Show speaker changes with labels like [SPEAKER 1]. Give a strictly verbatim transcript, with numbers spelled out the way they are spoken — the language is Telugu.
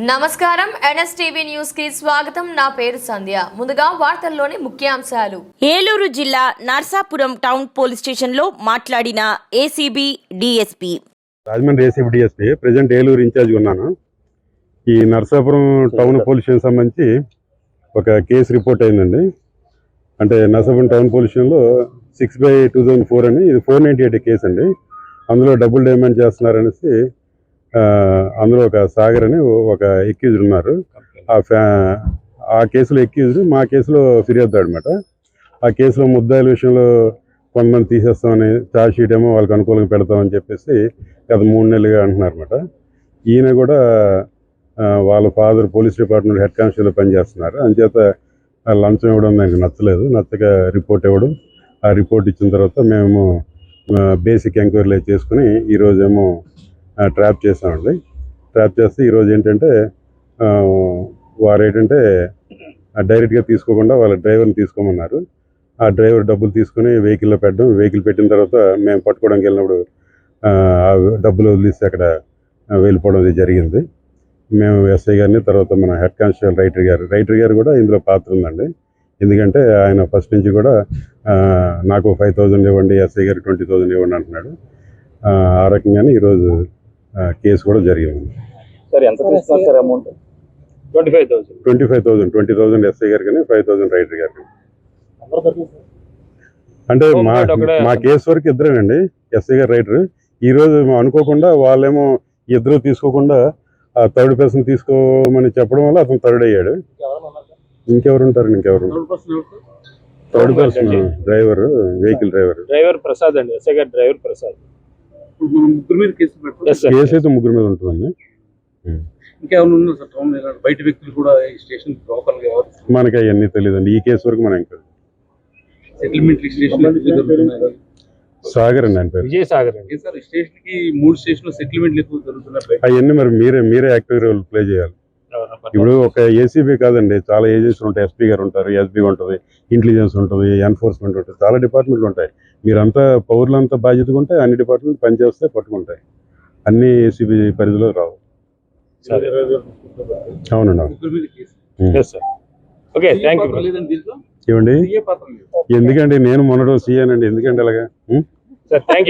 [SPEAKER 1] నమస్కారం ఎన్ఎస్టీవీ న్యూస్ కి స్వాగతం. నా పేరు సంధ్య. ముందుగా వార్తల్లోని ముఖ్యాంశాలు.
[SPEAKER 2] ఏలూరు జిల్లా నర్సాపురం టౌన్ పోలీస్ స్టేషన్ లో మాట్లాడిన ACB DSP.
[SPEAKER 3] Rajahmundry ACB DSP present Eluru in-charge ఉన్నాను. ఈ నర్సాపురం టౌన్ పోలీస్ స్టేషన్ సంబంధించి ఒక కేసు రిపోర్ట్ అయిందండి. అంటే నర్సాపురం టౌన్ పోలీస్ స్టేషన్లో six by two thousand four అని ఇది ఫోర్ నైంటీ ఎయిట్ కేసు అండి. అందులో డబుల్ డిమాండ్ చేస్తున్నారనేసి అందులో ఒక సాగర్ అని ఒక ఎక్యూజ్డ్ ఉన్నారు. ఆ ఫ్యా ఆ కేసులో ఎక్యూజ్డ్ మా కేసులో ఫిర్యాదు అనమాట. ఆ కేసులో ముద్దాయిల విషయంలో కొంతమంది తీసేస్తామని, ఛార్జ్ షీట్ ఏమో వాళ్ళకి అనుకూలంగా పెడతామని చెప్పేసి గత మూడు నెలలుగా అంటున్నారు అనమాట. ఈయన కూడా వాళ్ళ father police department head constable పనిచేస్తున్నారు. అంచేత లంచం ఇవ్వడం నాకు నచ్చలేదు. నచ్చక రిపోర్ట్ ఇవ్వడం, ఆ రిపోర్ట్ ఇచ్చిన తర్వాత మేము బేసిక్ ఎంక్వైరీలు చేసుకుని ఈరోజేమో ట్రాప్ చేసామండి. ట్రాప్ చేస్తే ఈరోజు ఏంటంటే వారు ఏంటంటే డైరెక్ట్గా తీసుకోకుండా వాళ్ళ డ్రైవర్ని తీసుకోమన్నారు. ఆ డ్రైవర్ డబ్బులు తీసుకుని వెహికల్లో పెట్టడం, వెహికల్ పెట్టిన తర్వాత మేము పట్టుకోవడానికి వెళ్ళినప్పుడు డబ్బులు వదిలిస్తే అక్కడ వెళ్ళిపోవడం జరిగింది. మేము ఎస్ఐ గారిని, తర్వాత మన హెడ్ కానిస్టేబుల్ రైటర్ గారు రైటర్ గారు కూడా ఇందులో పాత్ర ఉందండి. ఎందుకంటే ఆయన ఫస్ట్ నుంచి కూడా నాకు ఫైవ్ థౌజండ్ ఇవ్వండి, ఎస్ఐ గారికి ట్వంటీ థౌజండ్ ఇవ్వండి అంటున్నాడు. ఆ రకంగానే ఈరోజు కేసు కూడా జరిగింది.
[SPEAKER 4] సార్ ఎంత తీసుకున్నారు sir amount? Twenty five thousand
[SPEAKER 3] twenty five thousand twenty thousand SI గారికి కానీ ఫైవ్ థౌసండ్ రైటర్ గారికి. అంటే మా మా కేసు వరకు ఇద్దరేనండి, ఎస్ఐ గారు రైటర్. ఈరోజు అనుకోకుండా వాళ్ళేమో ఇద్దరు తీసుకోకుండా ఆ థర్డ్ పర్సన్ తీసుకోమని చెప్పడం వల్ల అతను థర్డ్ అయ్యాడు. ఇంకెవరు ఉంటారండి? ఇంకెవరు? Third person driver, vehicle driver
[SPEAKER 4] driver Prasad అండి. ఎస్ఐ గారు డ్రైవర్ ప్రసాద్.
[SPEAKER 5] ముగ్గురు మీద కేసు పెట్టారు.
[SPEAKER 3] కేసు అయితే ముగ్గురు మీద ఉంటుందండి.
[SPEAKER 5] ఇంకేమైనా ఉన్నా సార్ టౌన్ బయట వ్యక్తులు కూడా ఈ స్టేషన్ లోకల్ గా
[SPEAKER 3] మనకి అవన్నీ తెలియదండి. ఈ కేసు వరకు మనం ఇంకా
[SPEAKER 5] సెటిల్మెంట్ స్టేషన్
[SPEAKER 3] సాగర్ అండి ఆయన పేరు.
[SPEAKER 4] విజయ్ సాగర్ అండి.
[SPEAKER 5] సార్ స్టేషన్ కి మూడు స్టేషన్ సెటిల్మెంట్ ఎక్కువ జరుగుతున్నాయి.
[SPEAKER 3] అవన్నీ మరి మీరే మీరే యాక్టివ్ రోల్ ప్లే చేయాలి. ఇప్పుడు ఒక ఏసీబీ కాదండి, చాలా ఏజెన్సీలు ఉంటాయి. ఎస్పీ గారు ఉంటారు, ఎస్బీ ఉంటుంది, ఇంటెలిజెన్స్ ఉంటుంది, ఎన్ఫోర్స్మెంట్ ఉంటుంది, చాలా డిపార్ట్మెంట్లు ఉంటాయి. మీరంతా పౌరులంతా బాధ్యతగా ఉంటే అన్ని డిపార్ట్మెంట్ పనిచేస్తే పట్టుకుంటాయి. అన్ని ఏసీబీ పరిధిలో రావు. అవునండి, అవును. ఏమండి, ఎందుకండి నేను మొన్నటి సీఏనండి, ఎందుకండి అలాగా?